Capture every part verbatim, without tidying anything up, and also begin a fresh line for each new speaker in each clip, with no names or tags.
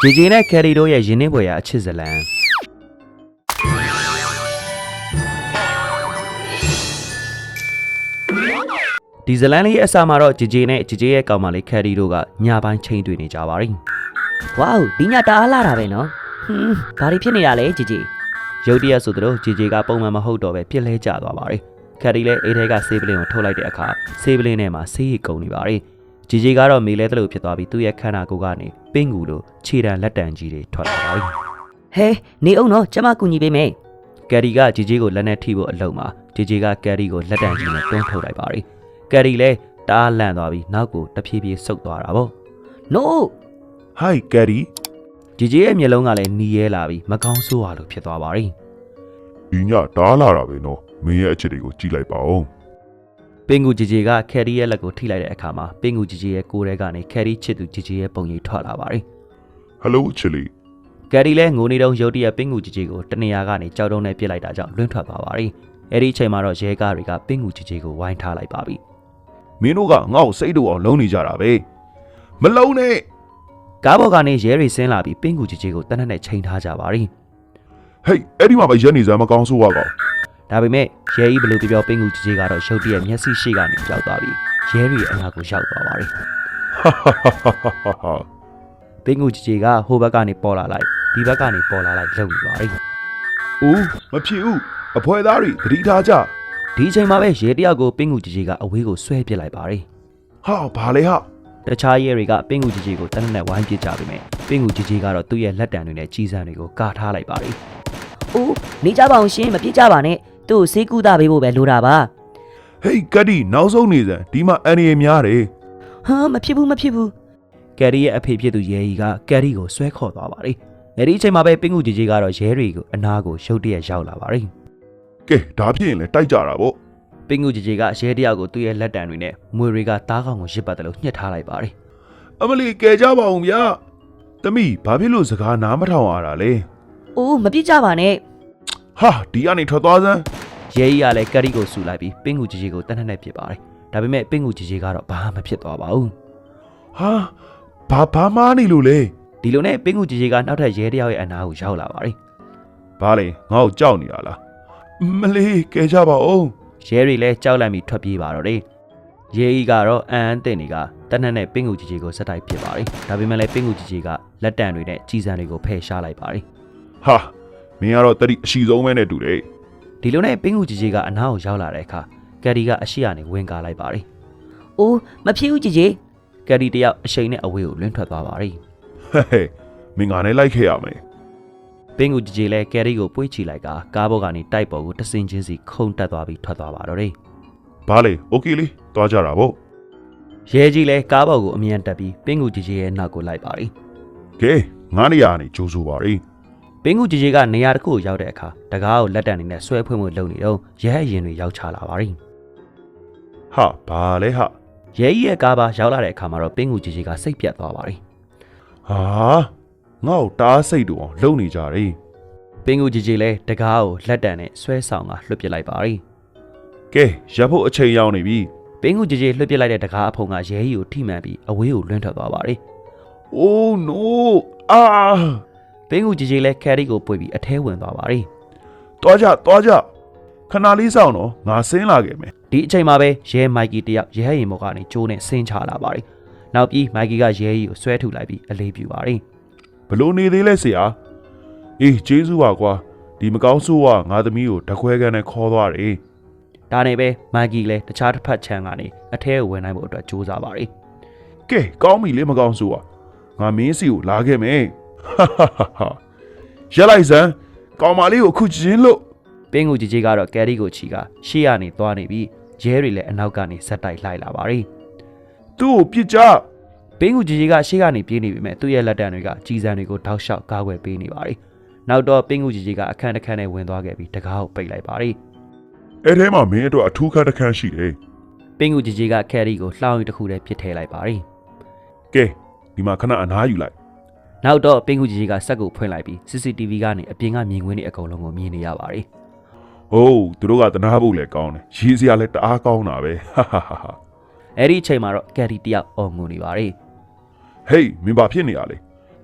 ဂျေဂျေနဲ့ကယ်ရီတို့ရဲ့ရင်းနှီးပွဲရာအချစ်ဇလံဒီဇလန်လေးအစားမှာတော့ဂျေဂျေနဲ့ဂျေဂျေရဲ့ကောင်မလေးကယ်ရီတို့ကညပိုင်းချိန်တွေ့နေကြပါပြီ
။ဝေါဒီညတအားလာတာပဲနော်။ဟွန်းဘာတွေဖြစ်နေတာလဲဂျေဂျေ
။ရုတ်တရက်ဆိုတော့ဂျေဂျေကပုံမှန်မဟုတ်တော့ပဲပြစ်လဲကျသွားပါပြီ။ကယ်ရီလည်းအိတ်ထဲကဆေးပလင်းကိုထုတ်လိုက်တဲ့အခါဆေးပလင်းထဲမှာဆေးရည်ကုန်နေပါပြီ။ဂျေဂျေကတော့မေလဲတလို့ဖြစ်သွားပြီးသူ့ရဲ့ခန္ဓာကိုယ်ကနေပင်းကူလိုခြေတံလက်တံကြီးတွေထွက်လာပါပြီ
။ဟဲနေအောင်နော်ကျမကူညီပေးမယ်
။ကယ်ရီကဂျေဂျေကိုလက်နဲ့ထိဖို့အလုံးမှာဂျေဂျေကကယ်ရီကိုလက်တံကြီးနဲ့တွန်းထုတ်လိုက်ပါပြီ။ကယ်ရီလည်းတအားလန့်သွားပြီးနောက်ကိုတဖြည်းဖြည်းဆုတ်သွားတာပေါ့။
No
ဟိုက်ကယ်ရီ
ဂျေဂျေရဲ့မျက်လုံးကလည်းနီးရဲလာပြီးမကောင်းဆိုးရလို့ဖြစ်သွားပါပြီ
။ဒီညတားလာတာပဲနော်မင်းရဲ့အချက်တွေကိုကြည့်လိုက်ပါဦး
ပင်ကူဂျေဂျေကကယ်ရီရဲ့လက်ကိုထိလိုက်တဲ့အခါမှာပင်ကူဂျေဂျေရဲ့ကိုယ်ထဲကနေကယ်ရီချစ်သူဂျေဂျေရဲ့ပုံရိပ်ထွက်လာပါပြီ
ဟယ်လိုချစ်လီ
ကယ်ရီလည်းငိုနေတော့ရုတ်တရက်ပင်ကူဂျေဂျေကိုတနေရာကနေကြောက်တုံးနဲ့ပြစ်လိုက်တာကြောင့်လွင့်ထွက်သွားပါပြီအဲ့ဒီအချိန်မှာတော့ရဲကားတွေကပင်ကူဂျေဂျေကိုဝိုင်းထားလိုက်ပါပြီ
မင်းတို့ကငါ့ကိုစိတ်တူအောင်လုံးနေကြတာပဲမလုံးနဲ့
ကားပေါ်ကနေရဲတွေဆင်းလာပြီးပင်ကူဂျေဂျေကိုတနက်နဲ့ချိန်ထားကြပါပြီ
ဟေးအဲ့ဒီမှာပဲရက်နေစမ်းမကောင်းဆိုးရကောင်
ဒါပေမဲ့ရဲကြီးဘလို့ပြောပင်ကူဂျေဂျေကတော့ရုတ်တရက်မျက်စိရှိကနေကြောက်သွားပြီးရဲတွေအနာကိုရောက်သွားပါပြီပင်ကူဂျေဂျေကဟိုဘက်ကနေပေါ်လာလိုက်ဒီဘက်ကနေပေါ်လာလိုက်လုံနေပါပြီ
ဦးမဖြစ်ဦးအဖွဲသားတွေသတိထားကြ
ဒီအချိန်မှာပဲရဲတယောက်ကိုပင်ကူဂျေဂျေကအဝေးကိုဆွဲပစ်လိုက်ပါတယ်
ဟာဘာလဲဟာ
တခြားရဲတွေကပင်ကူဂျေဂျေကိုတနက်နဲ့ဝိုင်းပစ်ကြပြီမယ်ပင်ကူဂျေဂျေကတော့သူ့ရဲ့လက်တံတွေနဲ့ကြီးစံတွေကိုကာထားလိုက်ပါတယ်
အိုးနေကြပါအောင်ရှင်မပြစ်ကြပါနဲ့သူ့ကိုဆေးကုသပေးဖို့ပဲလိုတာပါ
ဟေးကတ်ဒီနောက်ဆုံးနေစမ်းဒီမှာအန်ရီများတယ်
ဟာမဖြစ်ဘူးမဖြစ်ဘူး
ကယ်ရီရဲ့အဖေဖြစ်သူရဲကြီးကကယ်ရီကိုဆွဲခေါ်သွားပါတယ်အဲဒီအချိန်မှာပဲပင်ကူဂျေဂျေကတော့ရဲတွေကိုအနာကိုရုတ်တရက်ရောက်လာပါတယ်
ကဲဒါဖြစ်ရင်လည်းတိုက်ကြတာပေါ့
ပင်ကူဂျေဂျေကရဲတယောက်ကိုသူ့ရဲ့လက်တံတွေနဲ့မွေတွေကတားကောင်ကိုရစ်ပတ်တယ်လို့ညှစ်ထားလိုက်ပါတယ်
အမလီကဲကြပါအောင်ဗျာသမီးဘာဖြစ်လို့စကားနားမထောင်ရတာလဲ
အိုးမပြစ်ကြပါနဲ့
ဟာဒီကနေထွက်သွားစမ်း
ရဲကြီးကလည်းကယ်ရီကိုဆူလိုက်ပြီးပင်ကူဂျေဂျေကိုတနက်နဲ့ပစ်ပါတယ်ဒါပေမဲ့ပင်ကူဂျေဂျေကတော့ဘာမှမဖြစ်သွားပါဘူး
ဟာဘာဘာမှနေလို့လဲ
ဒီလိုနဲ့ပင်ကူဂျေဂျေကနောက်ထပ်ရဲတယောက်ရဲ့အနာကိုရောက်လာပါတယ်
ဘာလဲငါ့ကိုကြောက်နေတာလားမလေးကဲကြပါဦး
ရဲတွေလည်းကြောက်လန့်ပြီးထွက်ပြေးပါတော့တယ်ရဲကြီးကတော့အန်အန်တင်တွေကတနက်နဲ့ပင်ကူဂျေဂျေကိုစက်တိုက်ပစ်ပါတယ်ဒါပေမဲ့လည်းပင်ကူဂျေဂျေကလက်တံတွေနဲ့ကြီးစံတွေကိုဖယ်ရှားလိုက်ပါတယ်
ဟာမင်းကတော့တတိအရှိဆုံးပဲနဲ့တူတယ်
ဒီလိုနဲ့ပင်ကူဂျေဂျေကအနားကိုရောက်လာတဲ့အခါကယ်ရီကအရှိကနေဝင်ကားလိုက်ပါတယ်
အိုးမဖြစ်ဘူးဂျေဂျေ
ကယ်ရီတယောက်အရှိန်နဲ့အဝေးကိုလွင့်ထွက်သွားပါတယ်
ဟဲ့ဟဲ့မင်းကလည်းလိုက်ခဲ့ရမယ်
ပင်ကူဂျေဂျေလည်းကယ်ရီကိုပွေးချီလိုက်ကကားပေါ်ကနေတိုက်ပေါ်ကိုတဆင်ချင်းစီခုန်တက်သွားပြီးထွက်သွားပါတော့တယ်
ဘာလဲโอเคလေးသွားကြတာပေါ့
ရဲကြီးလည်းကားပေါ်ကိုအမြန်တက်ပြီးပင်ကူဂျေဂျေရဲ့နောက်ကိုလိုက်ပါတယ်
ကဲငါးနေရာနေကြိုးဆိုပါရီ
ပင်ကူဂျေဂျေကနေရာတစ်ခုကိုရောက်တဲ့အခါတကားကိုလက်တံနေနဲ့ဆွဲဖွင့်ဖို့လုပ်နေတော့ရဲအရင်တွေရောက်ချလာပါပြီ
ဟာဘာလဲဟာ
ရဲကြီးရဲ့ကားပါရောက်လာတဲ့အခါမှာတော့ပင်ကူဂျေဂျေကစိတ်ပြတ်သွားပါပြီ
ဟာငါ့ကိုတားစိတ်တူအောင်လုပ်နေကြတယ်
ပင်ကူဂျေဂျေလည်းတကားကိုလက်တံနဲ့ဆွဲဆောင်ကလွှတ်ပစ်လိုက်ပါပြီ
ကဲရပ်ဖို့အချိန်ရောက်နေပြီ
ပင်ကူဂျေဂျေလွှတ်ပစ်လိုက်တဲ့တကားအဖုံကရဲကြီးကိုထိမှန်ပြီးအဝေးကိုလွင့်ထွက်သွားပါပြီ
အိုး no အာ
ပင်ကူဂျေဂျေလည်းကယ်ရီကိုပွေပြီးအထဲဝင်သွားပါပြီ
တွားကြတွားကြခဏလေးစောင့်တော့ငါဆင်းလာခဲ့မယ်
ဒီအချိန်မှာပဲရဲမိုက်ကီတယောက်ရဲရင်ဘော်ကနေကျိုးနဲ့ဆင်းချလာပါပြီနောက်ပြီးမိုက်ကီကရဲကြီးကိုဆွဲထုတ်လိုက်ပြီးအလေးပြူပါပြီ
ဘလို့နေသေးလဲဆရာအေးကျေးဇူးပါကွာဒီမကောင်းဆိုးကငါသမီးကိုတခွဲခန်းနဲ့ခေါ်သွားတယ်
ဒါနဲ့ပဲမိုက်ကီလည်းတခြားတစ်ဖက်ခြမ်းကနေအထဲကိုဝင်နိုင်ဖို့အတွက်ကြိုးစားပါပြီ
ကဲကောင်းပြီလေမကောင်းဆိုးကငါမင်းစီကိုလာခဲ့မယ်ဟာဟာဟာရလိုက်စမ်းကောင်မလေးကိုခုချင်းလို့
ပင်ကူဂျေဂျေကတော့ကယ်ရီကိုချီကရှေ့ကနေသွားနေပြီးရဲတွေလည်းအနောက်ကနေဇက်တိုက်လှိုက်လာပါပြီ
သူ့ကိုပြစ်ကြ
ပင်ကူဂျေဂျေကရှေ့ကနေပြေးနေပြီမဲ့သူ့ရဲ့လက်တံတွေကကြီးစံတွေကိုထောက်လျှောက်ကားွယ်ပေးနေပါပြီနောက်တော့ပင်ကူဂျေဂျေကအခန်းတစ်ခန်းနဲ့ဝင်သွားခဲ့ပြီးတကားကိုပိတ်လိုက်ပါပြီ
အဲ့ထဲမှာမင်းတို့အထူးခန်းတစ်ခန်းရှိတယ်
ပင်ကူဂျေဂျေကကယ်ရီကိုလှောင်ရီတစ်ခုတည်းပစ်ထည့်လိုက်ပါပြီ
ကဲဒီမှာခဏအနားယူလိုက်
နောက်တော့ပင်ကူဂျေဂျေကစက်ကိုဖွင့်လိုက်ပြီး စီ စီ တီ ဗီ ကနေအပြင်ကမြင်ကွင်းတွေအကုန်လုံးကိုမြင်နေရပါတယ်
။အိုးသူတို့ကတနာဖို့လည်းကောင်းတယ်။ရေးစရာလည်းတအားကောင်းတာပဲ။ဟာဟာဟာ
အဲ့ဒီအချိန်မှာတော့ကယ်ရီတယောက်အော်ငိုနေပါတယ်
။ဟေးမင်းဘာဖြစ်နေရလဲ
။ပ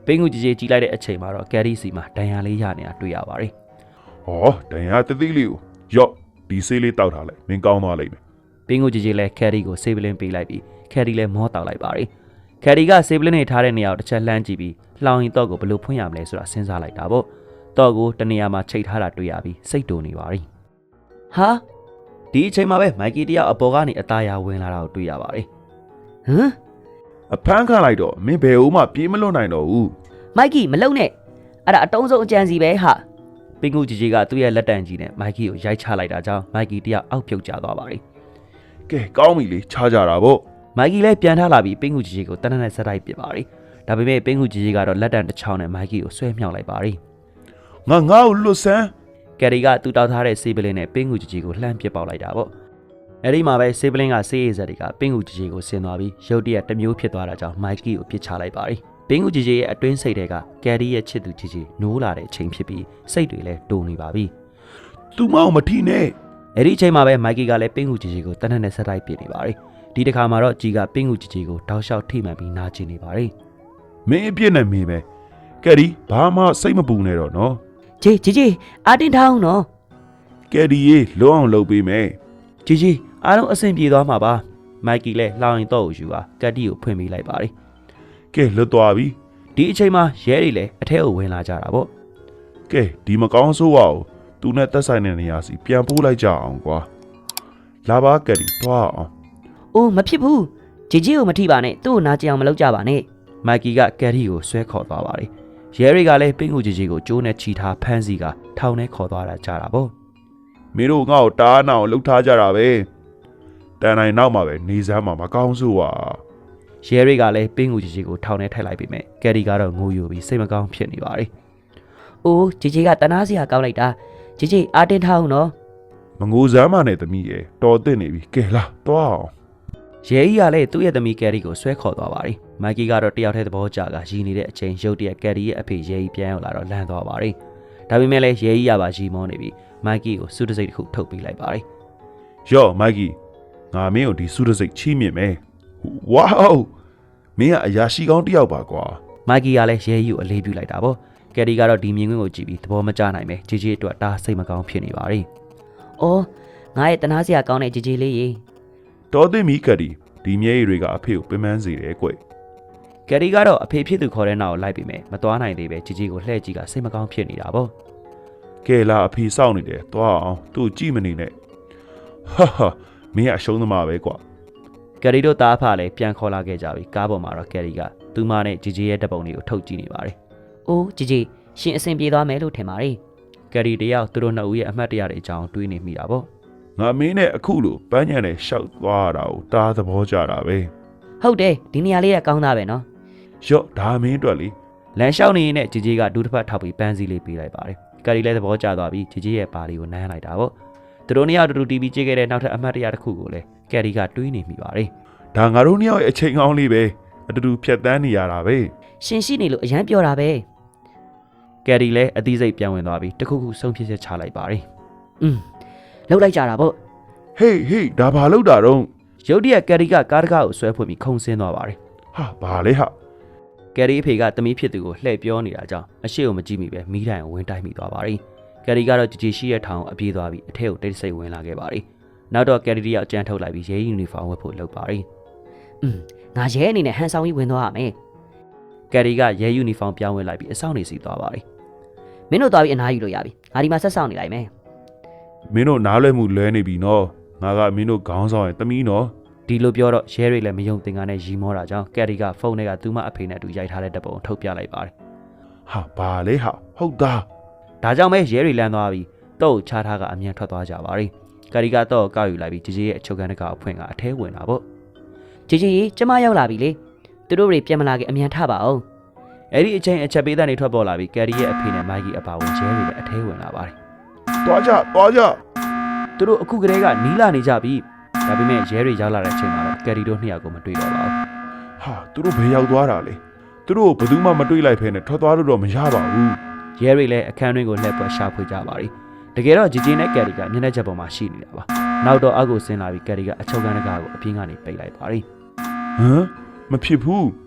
ပိန်းကူကြီးကြီးကြီးလိုက်တဲ့အချိန်မှာတော့ကယ်ရီစီမှာဒဏ်ရာလေးရနေတာတွေ့ရပါတယ်
။ဟောဒဏ်ရာတသိလေးကိုရော့ဒီဆေးလေးတောက်ထားလိုက်မင်းကောင်းသွားလိမ့်မယ်
ပိန်းကူကြီးကြီးလည်းကယ်ရီကိုဆေးပလင်းပေးလိုက်ပြီးကယ်ရီလည်းမောတောက်လိုက်ပါတယ်ကယ်ရီကဆေးပလင်းနေထားတဲ့နေရာကိုတစ်ချက်လှမ်းကြည့်ပြီးလှောင်ရင်တော့ကိုဘယ်လိုဖွင့်ရမလဲဆိုတာစဉ်းစားလိုက်တာပေါ့တော့ကိုတနေရာမှာချိတ်ထားတာတွေ့ရပြီးစိတ်တူနေပါပြီ
ဟာ
ဒီအချိန်မှာပဲမိုက်ကီတယောက်အပေါ်ကနေအသားရဝင်လာတာကိုတွေ့ရပါတယ်
ဟမ်
။အဖမ်းခံလိုက်တော့မင်းဘယ်ဦးမှပြေးမလွတ်နိုင်တော့ဘူး
မိုက်ကီမလုံနဲ့အဲ့ဒါအတုံးဆုံးအကြံစီပဲဟာ
ပိန်းကူကြီးကြီးကသူ့ရဲ့လက်တံကြီးနဲ့မိုက်ကီကိုရိုက်ချလိုက်တာကြောင့်မိုက်ကီတယောက်အောက်ပြုတ်ကျသွားပါတယ်
။ကဲကောင်းပြီလေခြားကြတာပေါ့
မိုက်ကီလည်းပြန်ထလာပြီးပိန်းကူကြီးကြီးကိုတနက်နဲ့ဆက်တိုက်ပစ်ပါတယ်ဒါပေမဲ့ပိန်းကူကြီးကြီးကတော့လက်တံတစ်ချောင်းနဲ့မိုက်ကီကိုဆွဲမြောက်လိုက်ပါတယ်
။ငါငါ့ကိုလွတ်ဆန်း
ကယ်ရီကသူ့တောက်ထားတဲ့ဆေးပလင်းနဲ့ပိန်းကူကြီးကြီးကိုလှမ်းပစ်ပေါက်လိုက်တာပေါ့အဲ့ဒီမှာပဲဆေးပလင်းကဆေးရည်စက်တွေကပိန်းကူကြီးကြီးကိုဆင်သွားပြီးရုတ်တရက်တစ်မျိုးဖြစ်သွားတာကြောင့်မိုက်ကီကိုပစ်ချလိုက်ပါတယ်ပိန်းကူကြီးကြီးရဲ့အတွင်းစိတ်တွေကကယ်ရီရဲ့ချစ်သူကြီးကြီးနိုးလာတဲ့အချိန်ဖြစ်ပြီးစိတ်တွေလည်းတိုးနေပါပြီ
။ तू မောင်မထီနဲ့
အဲ့ဒီအချိန်မှာပဲမိုက်ကီကလည်းပိန်းကူကြီးကြီးကိုတနက်နဲ့ဆက်တိုက်ပစ်နေပါတယ်ဒီတစ်ခါမှာတော့ကြီးကပိန်းကူကြီးကြီးကိုတောက်လျှောက်ထိမှန်ပြီးနာကျင်နေပါတယ်
မင်းအပြစ်နဲ့မင်းပဲ။ကယ်ဒီဘာမှစိတ်မပူနဲ့တော့နော်
ဂျေဂျေဂျေအာတင်ထားအောင်နော်
။ကယ်ဒီရေလွတ်အောင်လုပ်ပေးမယ်
ကြီးကြီးအားလုံးအဆင်ပြေသွားမှာပါမိုက်ကီလည်းလှောင်ရင်တော့ကိုယူပါကတ်တီကိုဖွင့်ပေးလိုက်ပါတယ်
။ကဲလွတ်သွားပြီ
ဒီအချိန်မှာရဲတွေလည်းအထက်ကိုဝင်လာကြတာပေါ့
။ကဲဒီမကောင်းဆိုးပါဘူး။ तू နဲ့တက်ဆိုင်တဲ့နေရာစီပြန်ပို့လိုက်ကြအောင်ကွာ။လာပါကယ်ဒီသွားအောင်
အိုးမဖြစ်ဘူးဂျေဂျေကိုမထိပါနဲ့သူ့ကိုနာကျင်အောင်မလုပ်ကြပါနဲ့
မိုက်ကီကကယ်ရီကိုဆွဲခေါ်သွားပါတယ်ရဲတွေကလည်းပိန်းကူကြီးကြီးကိုကျိုးနဲ့ချီထားဖမ်းစီကထောင်ထဲခေါ်သွားတာကြတာပေါ့
။မင်းတို့ငါ့ကိုတားနာအောင်လှုပ်ထားကြတာပဲ။တန်တိုင်းနောက်မှာပဲနေစမ်းမှာမကောင်းဆိုးပါ
ရဲတွေကလည်းပိန်းကူကြီးကြီးကိုထောင်ထဲထိုက်လိုက်ပြီမဲ့ကယ်ရီကတော့ငိုယိုပြီးစိတ်မကောင်းဖြစ်နေပါတယ်
အိုးဂျေဂျေကတနာစရာကောင်းလိုက်တာဂျေဂျေအာတင်ထားအောင်နော်
။မငိုစမ်းမနဲ့သမီးရဲ့တော်သိနေပြီ။ကဲလာသွားအောင်
ရဲကြီးကလည်းသူ့ရဲ့သမီးကယ်ရီကိုဆွဲခေါ်သွားပါတယ်မိုက်ကီကတော့တယောက်တည်းသဘောကျကရည်နေတဲ့အချိန်ရုတ်တရက်ကယ်ရီရဲ့အဖေရဲကြီးပြန်ရောက်လာတော့လန့်သွားပါတယ်ဒါပေမဲ့လည်းရဲကြီးကပါရီမောနေပြီးမိုက်ကီကိုစူးတစိတ်တစ်ခုထုတ်ပေးလိုက်ပါတယ်
။ရော့မိုက်ကီငါမင်းကိုဒီစုတစိတ်ချီးမြှင့်မယ်။ဝေါမင်းကအရာရှိကောင်းတစ်ယောက်ပါကွာ
မိုက်ကီကလည်းရဲကြီးကိုအလေးပြုလိုက်တာပေါ့ကယ်ရီကတော့ဒီမြင်ကွင်းကိုကြည့်ပြီးသဘောမကျနိုင်ပဲဂျီဂျီအတွက်ဒါစိတ်မကောင်းဖြစ်နေပါတယ်
အော်ငါရဲ့တနာစရာကောင်းတဲ့ဂျေဂျေလေးရေ
။တော်သိမီကယ်ဒီဒီမျက်ရည်တွေကအဖေကိုပင်ပန်းစေတယ်ကွ
ကယ်ရီကတော့အဖေဖြစ်သူခေါ်တဲ့နောက်ကိုလိုက်ပြီးမယ်မသွားနိုင်သေးပဲဂျီဂျီကိုလှည့်ကြည့်ကစိတ်မကောင်းဖြစ်နေတာပေါ့
။ကဲလာအဖေစောင့်နေတယ်သွားအောင်သူ့ကြည့်မနေနဲ့။ဟာဟာမင်းကအရှုံးသမားပဲကွာ
ကယ်ရီတို့တားဖလည်းပြန်ခေါ်လာခဲ့ကြပြီကားပေါ်မှာတော့ကယ်ရီကသူမနဲ့ဂျီဂျီရဲ့တပ်ပုံတွေကိုထုတ်ကြည့်နေပါတယ်
အိုးဂျေဂျေရှင်အဆင်ပြေသွားမယ်လို့ထင်ပါတယ်
ကယ်ရီတယောက်သူတို့နှစ်ဦးရဲ့အမှတ်တရတွေအကြောင်းတွေးနေမိတာပေါ့
။ငါမင်းနဲ့အခုလိုပန်းညံနဲ့ရှောက်သွားတာကိုတားသဘောကျတာပဲ
ဟုတ်တယ်ဒီနေရာလေးကကောင်းသားပဲနော်
။ရော့ဒါမင်းအတွက်လေ
လမ်းလျှောက်နေရင်ဂျီဂျီကဒူးတစ်ဖက်ထောက်ပြီးပန်းစည်းလေးပေးလိုက်ပါတယ်ကယ်ရီလည်းသဘောကျသွားပြီးဂျီဂျီရဲ့ပါလီကိုနမ်းလိုက်တာပေါ့သူတို့နှစ်ယောက်တူတူတီဗီကြည့်ခဲ့တဲ့နောက်ထပ်အမှတ်တရတစ်ခုကိုလည်းကယ်ရီကတွေးနေမိပါတယ်
။ဒါငါတို့နှစ်ယောက်ရဲ့အချိန်ကောင်းလေးပဲအတူတူဖြတ်တန်းနေရတာပဲ
ရှင်ရှိနေလို့အရန်ပြောတာပဲ
ကယ်ရီလည်းအသီးစိတ်ပြန်ဝင်သွားပြီးတခုခုဆုံးဖြတ်ချက်ချလိုက်ပါတယ်
อืมလောက်လိုက်ကြတာပေါ့
။ဟေးဟေးဒါဘာလို့တာတော့
ရုတ်တရက်ကယ်ရီကကားတကားကိုဆွဲဖွင့်ပြီးခုန်ဆင်းသွားပါတယ်
ဟာဘာလဲဟာ
ကယ်ရီအဖေကတမီးဖြစ်သူကိုလှည့်ပြောနေတာကြောင့်အရှိကိုမကြည့်မိပဲမိတိုင်ကိုဝင်တိုက်မိသွားပါတယ်ကယ်ရီကတော့ဂျီဂျီရှိရဲ့ထောင်ကိုအပြေးသွားပြီးအထက်ကိုတိတ်ဆိတ်ဝင်လာခဲ့ပါတယ်နောက်တော့ကယ်ရီတယောက်အကြမ်းထုတ်လိုက်ပြီးရဲယူနီဖောင်းဝတ်ဖို့လုပ်ပါတယ်
อืมငါရဲအနေနဲ့ဟန်ဆောင်ကြီးဝင်သွားရမယ်
ကယ်ရီကရဲယူနီဖောင်းပြောင်းဝတ်လိုက်ပြီးအဆောင်နေစီသွားပါတယ်
မင်းတို့သွားပြီးအနားယူလို့ရပြီငါဒီမှာဆက်ဆောင်နေလိုက်မယ်
မင်းတို့နားလွဲမှုလွဲနေပြီနော်ငါကမင်းတို့ခေါင်းဆောင်ရဲ့တမီးနော်
ဒီလိုပြောတော့ရဲတွေလည်းမယုံသင်ကနဲ့ရီမောတာကြောင့်ကယ်ရီကဖုန်းထဲကသူမအဖေနဲ့အတူရိုက်ထားတဲ့တပ်ပုံကိုထုတ်ပြလိုက်ပါတယ်
ဟာဘာလဲဟာဟုတ်သား
ဒါကြောင့်ပဲရဲတွေလမ်းသွားပြီးတော့ချားထားကအမြန်ထွက်သွားကြပါတယ်ကယ်ရီကတော့ကောက်ယူလိုက်ပြီးဂျီဂျီရဲ့အချုပ်ခန်းတကအဖွင့်ကအထဲဝင်တာပေါ့
ဂျေဂျေကျမရောက်လာပြီလေသူတို့တွေပြန်မလာခင်အမြန်ထပါအောင်
အဲ့ဒီအချိန်အချက်ပေးတဲ့နေထွက်ပေါ်လာပြီးကယ်ရီရဲ့အဖေနဲ့မိုက်ကီအပါဝင်ရဲတွေလည်းအထဲဝင်လာပါတယ်
သွားကြသွားကြ
သူတို့အခုကတည်းကနီးလာနေကြပြီဒါပေမဲ့ရဲတွေရောက်လာတဲ့အချိန်မှာတော့ကယ်ရီတို့နှစ်ယောက်ကိုမတွေ့တော့ပါဘူး
ဟာသူတို့ဘယ်ရောက်သွားတာလဲသူတို့ဘယ်သူမှမတွေ့လိုက်ဖဲနဲ့ထွက်သွားလို့တော့မရပါဘူး
ရဲတွေလည်းအခန်းတွင်းကိုလှည့်ပွက်ရှာဖွေကြပါတယ်တကယ်တော့ဂျီဂျီနဲ့ကယ်ရီကမျက်နှာချက်ပေါ်မှာရှိနေတာပါနောက်တော့အောက်ကိုဆင်းလာပြီးကယ်ရီကအချုပ်ခန်းတကားကိုအပြင်းကနေပိတ်လိုက်ပါတယ်
ဟမ်မဖြစ်ဘူး
က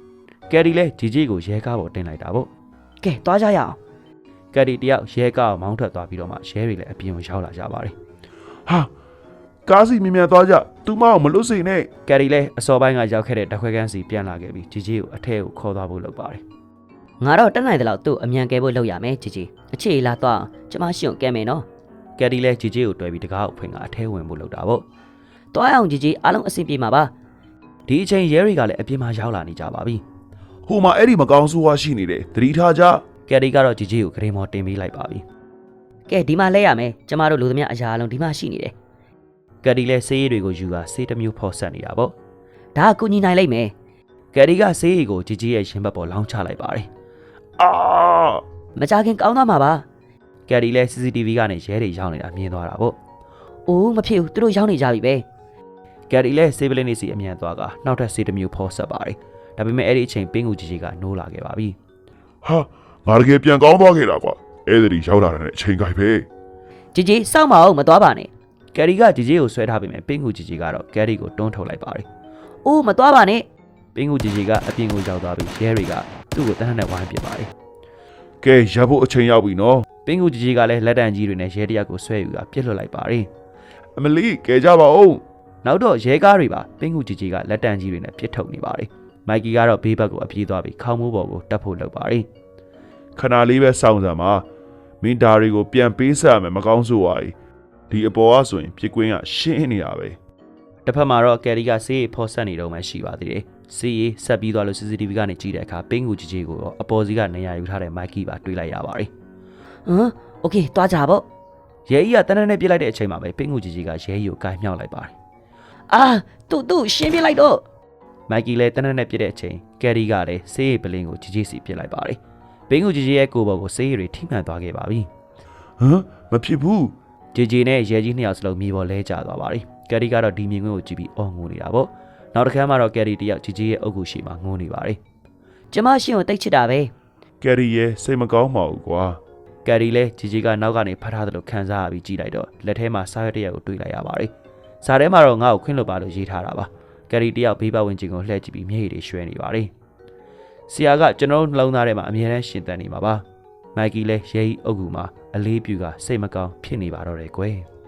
ကယ်ရီလည်းဂျီဂျီကိုရဲကားပေါ်တင်လိုက်တာပေါ့
ကဲသွားကြရအောင်
ကယ်ရီတယောက်ရဲကားကိုမောင်းထွက်သွားပြီးတော့မှရဲတွေလည်းအပြင်ကိုရောက်လာကြပါတယ်
ဟာကားစီမြင်မြန်သွားကြသူမအောင်မလွတ်စေနဲ့
ကယ်ရီလည်းအစောပိုင်းကရောက်ခဲ့တဲ့ဓာတ်ခွဲခန်းစီပြန်လာခဲ့ပြီးဂျီဂျီကိုအထက်ကိုခေါ်သွားဖို့လုပ်ပါတယ်
ငါတော့တက်နိုင်တယ်လို့သူ့အမြန်ကဲဖို့လုပ်ရမယ်ជីជីအခြေလာတော့ကျမရှိအောင်ကဲမယ်နော်
ကယ်ရီလည်းဂျီဂျီကိုတွဲပြီးတကားကိုဖွင့်ကအထက်ဝင်ဖို့လုပ်တာပေါ့
တွားအောင်ជីជីအားလုံးအဆင်ပြေမှာပါ
ဒီအချိန်ရဲတွေကလည်းအပြင်မှာရောက်လာနေကြပါပြီ
ဟိုမှာအဲ့ဒီမကောင်းဆိုးဝါးရှိနေတယ်သတိထားကြ
ကယ်ရီကတော့ဂျီဂျီကိုဂရင်မော်တင်ပေးလိုက်ပါပြီ
ကဲဒီမှာလဲရမယ်ကျမတို့လူသမျှအရာအလုံးဒီမှာရှိနေတယ်
ကယ်ရီလည်းဆေးရည်တွေကိုယူကာဆေးတစ်မျိုးဖော်ဆက်နေတာပေါ့
ဒါကကူညီနိုင်လိမ့်မယ်
ကယ်ရီကဆေးရည်ကိုဂျီဂျီရဲ့ရင်ဘတ်ပေါ်လောင်းချလိုက်ပါတယ်
အာ
မကြခင်ကောင်းသွားမှာပါ
ကယ်ရီလည်း စီ စီ တီ ဗီ ကနေရဲတွေရောက်နေတာမြင်သွားတာပေါ့
အိုးမဖြစ်ဘူးသူတို့ရောက်နေကြပြီပဲ
ကယ်ရီလည်းဆေးပလင်းနေစီအမြန်သွားကနောက်ထပ်ဆေးတစ်မျိုးဖော်ဆက်ပါတယ်ဒါပေမဲ့အဲ့ဒီအချိန်ပင်းကူဂျီဂျီကနိုးလာခဲ့ပါပြီ
ဟာငါတကယ်ပြန်ကောင်းသွားခဲ့တာကွာအဲ့ဒီရောက်လာတဲ့အချိန်ခိုင်ပဲ
ជីជីစောင့်မအောင်မသွားပါနဲ့
ကယ်ရီကဂျီဂျီကိုဆွဲထားပေမဲ့ပင်းကူဂျီဂျီကတော့ကယ်ရီကိုတွန်းထုတ်လိုက်ပါတယ်
အိုးမသွားပါနဲ့
ပင်းကူဂျီဂျီကအပြင်ကိုရောက်သွားပြီးရဲတွေကသူ့ကိုတန်းနဲ့ဝိုင်းပစ်ပါတယ်
ကဲရပ်ဖို့အချိန်ရောက်ပြီနော်
ပင်းကူဂျီဂျီကလည်းလက်တံကြီးတွေနဲ့ရဲတယောက်ကိုဆွဲယူတာပြစ်လွတ်လိုက်ပါတယ်
အမလီကဲကြပါဦး
နောက်တော့ရဲကားတွေပါပင်းကူဂျီဂျီကလက်တံကြီးတွေနဲ့ပြစ်ထုတ်နေပါတယ်မိုက်ကီကတော့ဘေးဘက်ကိုအပြေးသွားပြီးခေါင်းမိုးပေါ်ကိုတက်ဖို့လုပ်ပါတယ်
ခဏလေးပဲစောင့်စမ်းပါမင်းဒါတွေကိုပြန်ပေးဆက်ရမယ်မကောင်းဆိုးဝါးဒီအပေါ်ကဆိုရင်ပြစ်ကွင်းကရှင်းနေတာပဲ
တစ်ဖက်မှာတော့ကယ်ရီကဆေးရည်ဖော်ဆက်နေတော့မှရှိပါသေးတယ်ဆေးရည်ဆက်ပြီးသွားလို့ စီ စီ တီ ဗီ ကနေကြည့်တဲ့အခါပင်းကူဂျီဂျီကိုတော့အပေါ်စီကနေရာယူထားတဲ့မိုက်ကီပါတွေးလိုက်ရပါတယ်
ဟမ်โอเคသွားကြပေါ့
ရဲကြီးကတန်းတန်းနဲ့ပြစ်လိုက်တဲ့အချိန်မှာပဲပင်းကူဂျီဂျီကရဲကြီးကိုကိုင်မြောက်လိုက်ပါတယ်
အာသူ့သူ့ရှင်းပြလိုက်တော့
မိုက်ကီလည်းတန်းတန်းနဲ့ပြစ်တဲ့အချိန်ကယ်ရီကလည်းဆေးရည်ပလင်းကိုဂျီဂျီစီပြစ်လိုက်ပါတယ်ပင်းကူဂျီဂျီရဲ့ကိုယ်ပေါ်ကိုဆေးရည်တွေထိမှန်သွားခဲ့ပါပြီ
ဟမ်မဖြစ်ဘူး
ဂျီဂျီနဲ့ရဲကြီးနှစ်ယောက်စလုံးမြေပေါ်လဲကျသွားပါတယ်ကယ်ရီကတော့ဒီမြင်ကွင်းကိုကြည့်ပြီးအော်ငိုနေတာပေါ့နောက်တစ်ခါမှတော့ကယ်ရီတယောက်ဂျီဂျီရဲ့အုပ်ကူရှိမှငိုနေပါတယ်
ကျမရှိအောင်တိတ်ချစ်တာပဲ
ကယ်ရီရဲ့စိတ်မကောင်းပါဘူးကွာ
ကယ်ရီလည်းဂျီဂျီကနောက်ကနေဖတ်ထားသလိုခံစားရပြီးကြည့်လိုက်တော့လက်ထဲမှာစားရတဲ့ရက်ကိုတွေးလိုက်ရပါတယ်စားထဲမှာတော့ငါ့ကိုခွင့်လွှတ်ပါလို့ရေးထားတာပါကယ်ရီတယောက်ဘေးပတ်ဝန်းကျင်ကိုလှည့်ကြည့်ပြီးမျက်ရည်တွေရွှဲနေပါတယ်ဆရာကကျွန်တော်တို့နှလုံးသားထဲမှာအမြဲတမ်းရှင်သန်နေမှာပါမိုက်ကီလည်းရဲကြီးအုပ်ကူမှာအလေးပြူကစိတ်မကောင်းဖြစ်နေပါတော့တယ်ကွယ်